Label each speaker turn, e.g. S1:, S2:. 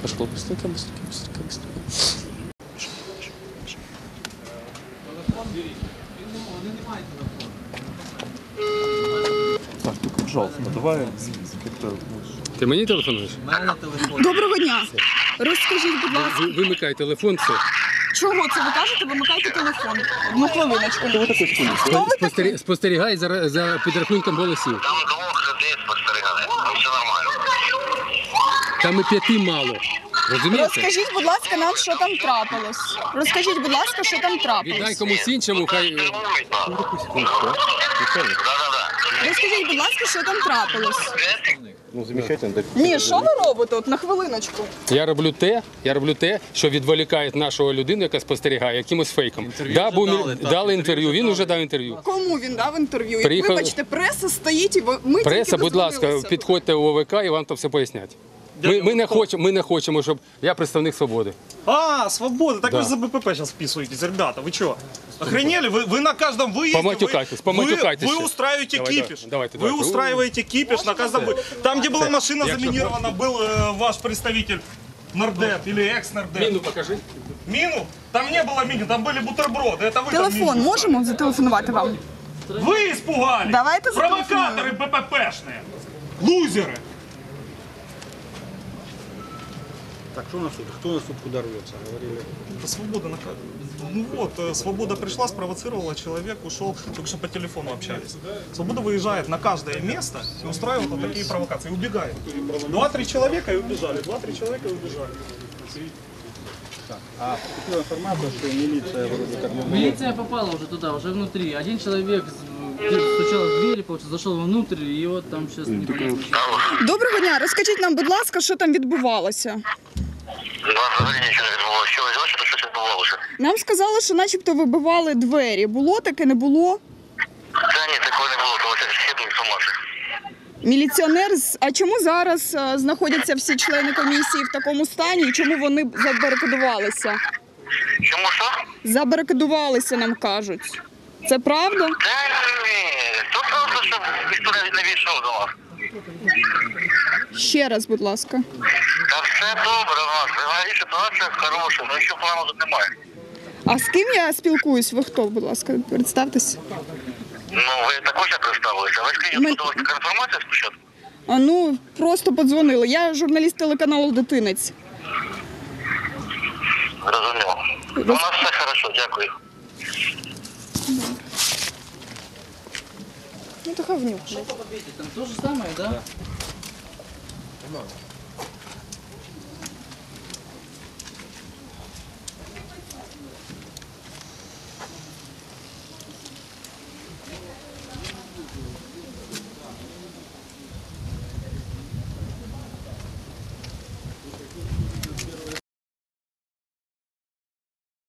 S1: Пошло быстренько, быстренько, быстренько, быстренько.
S2: Так, только, пожалуйста, давай как-то...
S1: Ти мені телефонуєш?
S3: Доброго дня. Розкажіть, будь ласка,
S1: Вимикай телефон, все.
S3: чого це ви кажете? Вимикайте телефон. Одну хвилиночку.
S1: Спостерігай за підрахунком голосів.
S4: Там двох людей спостерігали, все нормально.
S1: Там і 5 мало. Розумієте?
S3: Розкажіть, будь ласка, нам, що там трапилось. Розкажіть, будь ласка, що там
S1: Віддай
S3: трапилось.
S1: комусь іншому, хай...
S4: Фільмують нас. Да-да-да.
S3: Розкажіть, будь ласка, що там трапилось.
S2: Ну, замечательно.
S3: Ні, що ви робите? От на хвилиночку.
S1: Я роблю те, що відволікає нашого людину, яка спостерігає, якимось фейком. Дали інтерв'ю, він вже дав інтерв'ю.
S3: Кому він дав інтерв'ю?
S1: Приїхав-
S3: Вибачте, преса стоїть і ми
S1: Преса,
S3: тільки
S1: будь ласка,
S3: дозвонилися.
S1: підходьте у ОВК і вам там все пояснять. Ми не хочемо, щоб... Я представник «Свободи».
S5: А, свобода, так
S1: Да.
S5: вы за БПП сейчас вписываетесь, ребята, вы что? Охренели? Вы на каждом выезде,
S1: Поматюкайтесь, поматюкайтесь
S5: вы
S1: ще.
S5: устраиваете
S1: Давай,
S5: кипиш.
S1: давайте.
S5: Вы устраиваете кипиш на каждом выезде. Там, где была машина
S1: Якщо
S5: заминирована, был ваш представитель Нордет или экс-Нордет.
S1: Міну покажи.
S5: Мину? Там не было мины, там были бутерброды. Это вы там
S3: Телефон
S5: мину
S3: можемо зателефонувати вам?
S5: устроили. Вы испугались.
S3: Давайте
S5: Провокаторы БППшные. Лузеры.
S6: Так, что у нас тут? Кто у нас тут куда рвется? Говорили.
S5: Да свобода Ну вот, свобода пришла, спровоцировала, человек ушел, только что по телефону общались. Свобода выезжает на каждое место и устраивает вот такие провокации, и убегает. 2-3 человека и убежали, 2-3 человека и убежали.
S6: А поступила информация, что милиция вроде как...
S7: Милиция попала уже туда, уже внутри. Один человек стучал в двери, зашел внутрь, и вот там сейчас непонятно.
S3: Доброго дня. Розкажіть нам, будь ласка, що там відбувалося.
S4: У нас взагалі нічого не відбувалося. Що ви бачите, що відбувалося?
S3: Нам сказали, що начебто вибивали двері. Було таке, не було?
S4: Та ні, такого не було, тому що всі тут інформація.
S3: Міліціонер, а чому зараз знаходяться всі члени комісії в такому стані і чому вони забарикадувалися?
S4: Чому що?
S3: Забарикадувалися, нам кажуть. Це правда?
S4: Та ні, тут просто, щоб ніхто не війшов до вас.
S3: Ще раз, будь ласка.
S4: Та все добре у нас, взагалі ситуація хороша, ну що плану тут немає.
S3: А з ким я спілкуюсь? Ви хто, будь ласка, представтесь.
S4: Ну, ви також як представилися, ви скажіть,
S3: Ми-
S4: тут у вас така інформація спочатку?
S3: А ну, просто подзвонили. Я журналіст телеканалу «Дитинець».
S4: Зрозуміло. У нас все хорошо, дякую.
S3: Ну, така внюх.
S7: Там то же самое, да?